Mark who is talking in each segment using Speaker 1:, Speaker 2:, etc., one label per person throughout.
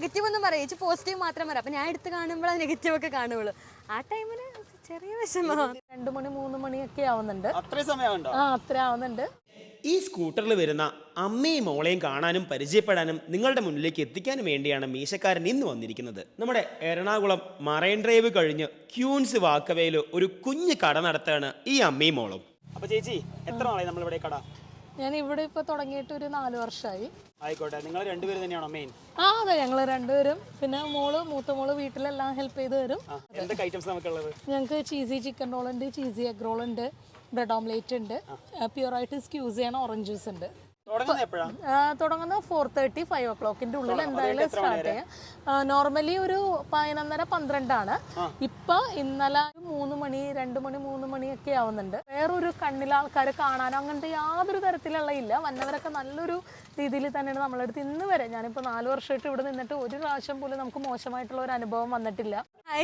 Speaker 1: Negative ഒന്നും പറയും, ചേച്ചി പോസിറ്റീവ് മാത്രം പറയാം. അപ്പം ഞാൻ എടുത്ത് കാണുമ്പോൾ അത് നെഗറ്റീവ് ഒക്കെ കാണുള്ളൂ. ആ ടൈമിൽ ചെറിയ വിഷമമാണ്.
Speaker 2: 2 മണി 3 മണിയൊക്കെ ആവുന്നുണ്ട്.
Speaker 3: അത്രയും സമയമുണ്ടോ?
Speaker 2: അത്ര ആവുന്നുണ്ട്.
Speaker 4: ഈ സ്കൂട്ടറിൽ വരുന്ന അമ്മയും മോളെയും കാണാനും പരിചയപ്പെടാനും നിങ്ങളുടെ മുന്നിലേക്ക് എത്തിക്കാനും വേണ്ടിയാണ് മീശക്കാരൻ ഇന്ന് വന്നിരിക്കുന്നത്. നമ്മുടെ എറണാകുളം മറൈൻ ഡ്രൈവ് കഴിഞ്ഞ് ക്യൂൻസ് വാക്കവേയിൽ ഒരു കുഞ്ഞു കട നടത്താണ് ഈ അമ്മയും മോളും.
Speaker 3: അപ്പൊ ചേച്ചി എത്ര നാളായി നമ്മളിവിടെ കട?
Speaker 2: ഞാൻ ഇവിടെ ഇപ്പൊ തുടങ്ങിയിട്ട് ഒരു 4 വർഷമായി.
Speaker 3: ആയിക്കോട്ടെ, നിങ്ങൾ രണ്ടുപേരും തന്നെയാണോ മെയിൻ?
Speaker 2: അതെ, ഞങ്ങൾ രണ്ടുപേരും. പിന്നെ മൂത്ത മോള് വീട്ടിലെല്ലാം ഹെൽപ്പ് ചെയ്ത് തരും.
Speaker 3: എന്തൊക്കെ ഐറ്റംസ് നമുക്കുള്ളത്?
Speaker 2: ഞങ്ങൾക്ക് ചീസി ചിക്കൻ റോൾ ഉണ്ട്, ചീസി എഗ് റോൾ ഉണ്ട്, ബ്രെഡ് ഓംലേറ്റ് ഉണ്ട്, പ്യുവറായിട്ട് സ്ക്യൂസ് ചെയ്യണ ഓറഞ്ച് ജ്യൂസ് ഉണ്ട്. തുടങ്ങുന്ന 4:30 5 o'clockന്റെ ഉള്ളിൽ എന്തായാലും സ്റ്റാർട്ട് ചെയ്യാം. നോർമലി ഒരു 11:30-12 ഇപ്പൊ ഇന്നലെ 3 മണി 2 മണി 3 മണിയൊക്കെ ആവുന്നുണ്ട്. വേറൊരു കണ്ണിൽ ആൾക്കാരെ കാണാനോ അങ്ങനത്തെ യാതൊരു തരത്തിലുള്ള ഇല്ല. വന്നവരൊക്കെ നല്ലൊരു രീതിയിൽ തന്നെയാണ് നമ്മളെടുത്ത് ഇന്ന് വരെ. ഞാനിപ്പോ 4 വർഷമായിട്ട് ഇവിടെ നിന്നിട്ട് ഒരു പ്രാവശ്യം പോലും നമുക്ക് മോശമായിട്ടുള്ള ഒരു അനുഭവം വന്നിട്ടില്ല.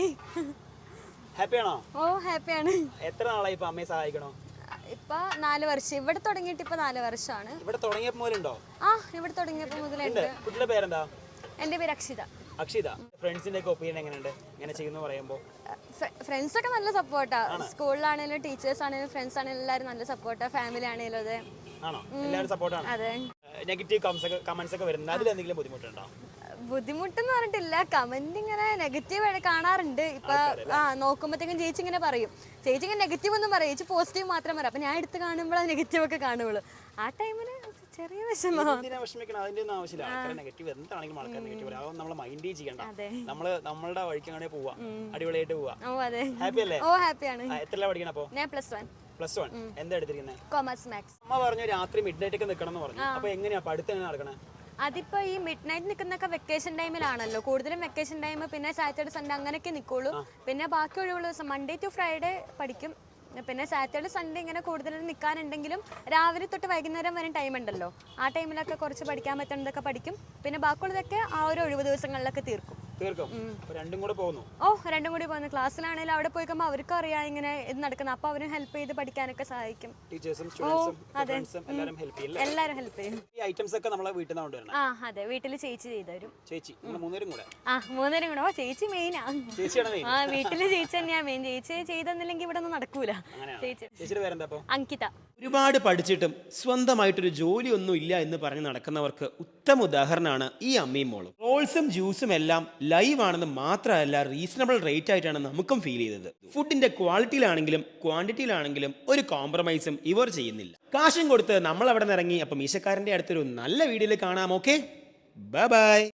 Speaker 3: ഹാപ്പിയാണോ?
Speaker 1: ഓ ഹാപ്പിയാണ്.
Speaker 3: എത്ര നാളായി ഇപ്പൊ അമ്മയെ സഹായിക്കണോ?
Speaker 1: ഇപ്പൊ 4 വർഷം. ഇവിടെ തുടങ്ങിയിട്ട് ഇപ്പൊ 4 വർഷമാണ്.
Speaker 3: ഇവിടെ തുടങ്ങിയപ്പോ മുതലുണ്ടോ?
Speaker 1: ഇവിടെ തുടങ്ങിയപ്പോ മുതലുണ്ട്.
Speaker 3: കുട്ടിയുടെ പേരെന്താ?
Speaker 1: എന്റെ പേര് അക്ഷിത.
Speaker 3: അക്ഷിത. ഫ്രണ്ട്സിന്റെ ഒക്കെ ഒപ്പീനിയൻ എങ്ങനെയുണ്ട് ഇങ്ങനെ ചെയ്യുന്നു പറയുമ്പോ?
Speaker 1: ഫ്രണ്ട്സ് ഒക്കെ നല്ല സപ്പോർട്ടാ. സ്കൂളിലാണെങ്കിലും ടീച്ചേഴ്സ് ആണെങ്കിലും ഫ്രണ്ട്സ് ആണെങ്കിലും എല്ലാവരും നല്ല സപ്പോർട്ടാ. ഫാമിലി ആണെങ്കിലും അതെ.
Speaker 3: ആണോ? എല്ലാവരും സപ്പോർട്ടാണ്.
Speaker 1: അതെ.
Speaker 3: നെഗറ്റീവ് കമന്റ്സ് ഒക്കെ വരുന്നത് അതിൽ എന്തെങ്കിലും ബുദ്ധിമുട്ടുണ്ടോ?
Speaker 1: ബുദ്ധിമുട്ടെന്ന് പറഞ്ഞിട്ടില്ല. കമന്റ് ഇങ്ങനെ നെഗറ്റീവ് കാണാറുണ്ട്. ഇപ്പൊ നോക്കുമ്പോഴത്തേക്കും ചേച്ചി ഇങ്ങനെ പറയും, ചേച്ചി ഇങ്ങനെ നെഗറ്റീവ് ഒന്നും പറയും, ചേച്ചി പോസിറ്റീവ് മാത്രം പറയാം. അപ്പൊ ഞാൻ എടുത്ത് കാണുമ്പോൾ അത് നെഗറ്റീവ് ഒക്കെ കാണുള്ളൂ. ആ ടൈമിൽ ചെറിയ വിഷമമാണ്.
Speaker 3: അതിന്റെ ഒന്നും ആവശ്യമില്ല. ആൾക്കാരെ നെഗറ്റീവ് എന്താണെങ്കിലും ആൾക്കാർ നെഗറ്റീവ് പറയാം. അതൊന്നും നമ്മൾ മൈൻഡ് ചെയ്യണ്ട. നമ്മളുടെ വഴിക്ക് അങ്ങനെ പോവാ, അടിപൊളിയായിട്ട് പോവാ. ഹാപ്പി അല്ലേ?
Speaker 1: ഓ ഹാപ്പിയാണ്.
Speaker 3: എത്രല്ല പഠിക്കണം അപ്പൊ?
Speaker 1: ഞാൻ +1.
Speaker 3: എന്താ എടുത്തിരിക്കുന്നത്?
Speaker 1: Commerce maths.
Speaker 3: അമ്മ പറഞ്ഞു രാത്രി മിഡ് നൈറ്റ് ഒക്കെ നിൽക്കണം എന്ന് പറഞ്ഞു. അപ്പൊ എങ്ങനെയാ പഠിത്തം എങ്ങനെ നടക്കണേ?
Speaker 1: അതിപ്പോ ഈ മിഡ് നൈറ്റ് നിൽക്കുന്നൊക്കെ വെക്കേഷൻ ടൈമിലാണല്ലോ കൂടുതലും. വെക്കേഷൻ ടൈം പിന്നെ സാറ്റർഡേ സൺഡേ അങ്ങനെയൊക്കെ നിൽക്കുള്ളൂ. പിന്നെ ബാക്കി ഒഴിവുള്ള ദിവസം മൺഡേ ടു ഫ്രൈഡേ പഠിക്കും. പിന്നെ സാറ്റർഡേ സൺഡേ ഇങ്ങനെ കൂടുതലും നിൽക്കാനുണ്ടെങ്കിലും രാവിലെ തൊട്ട് വൈകുന്നേരം വരെ ടൈം ഉണ്ടല്ലോ. ആ ടൈമിലൊക്കെ കുറച്ച് പഠിക്കാൻ പറ്റുന്നതൊക്കെ പഠിക്കും. പിന്നെ ബാക്കിയുള്ളതൊക്കെ ആ ഒരു ഒഴിവ് ദിവസങ്ങളിലൊക്കെ തീർക്കും.
Speaker 3: രണ്ടും കൂടി പോകുന്നു.
Speaker 1: ക്ലാസ്സിലാണെങ്കിലും അവിടെ പോയിക്കുമ്പോൾ അവർക്കും അറിയാം ഇങ്ങനെ ഇത് നടക്കുന്നത്. അപ്പൊ അവരും ഹെൽപ്പ് ചെയ്ത് പഠിക്കാനൊക്കെ സഹായിക്കും. എല്ലാരും ഹെൽപ്പ് ചെയ്യും. അതെ, വീട്ടില് ചേച്ചി ചെയ്തു. മൂന്നുപേരും കൂടെ. ചേച്ചി മെയിനാ. വീട്ടില് ചേച്ചി തന്നെയാ മെയിൻ. ചേച്ചി ചെയ്തെന്നില്ലെങ്കിൽ ഇവിടെ ഒന്നും നടക്കൂല. അങ്കിത.
Speaker 4: ഒരുപാട് പഠിച്ചിട്ടും സ്വന്തമായിട്ടൊരു ജോലിയൊന്നും ഇല്ല എന്ന് പറഞ്ഞ് നടക്കുന്നവർക്ക് ഉത്തമ ഉദാഹരണമാണ് ഈ അമ്മയും മോളും. റോൾസും ജ്യൂസും എല്ലാം ലൈവ് ആണെന്ന് മാത്രമല്ല റീസണബിൾ റേറ്റ് ആയിട്ടാണ് നമുക്കും ഫീൽ ചെയ്തത്. ഫുഡിന്റെ ക്വാളിറ്റിയിലാണെങ്കിലും ക്വാണ്ടിറ്റിയിലാണെങ്കിലും ഒരു കോംപ്രമൈസും ഇവർ ചെയ്യുന്നില്ല. കാശും കൊടുത്ത് നമ്മൾ അവിടെ നിന്ന് ഇറങ്ങി. അപ്പം മീശക്കാരൻ്റെ അടുത്തൊരു നല്ല വീഡിയോയിൽ കാണാം. Okay, bye by.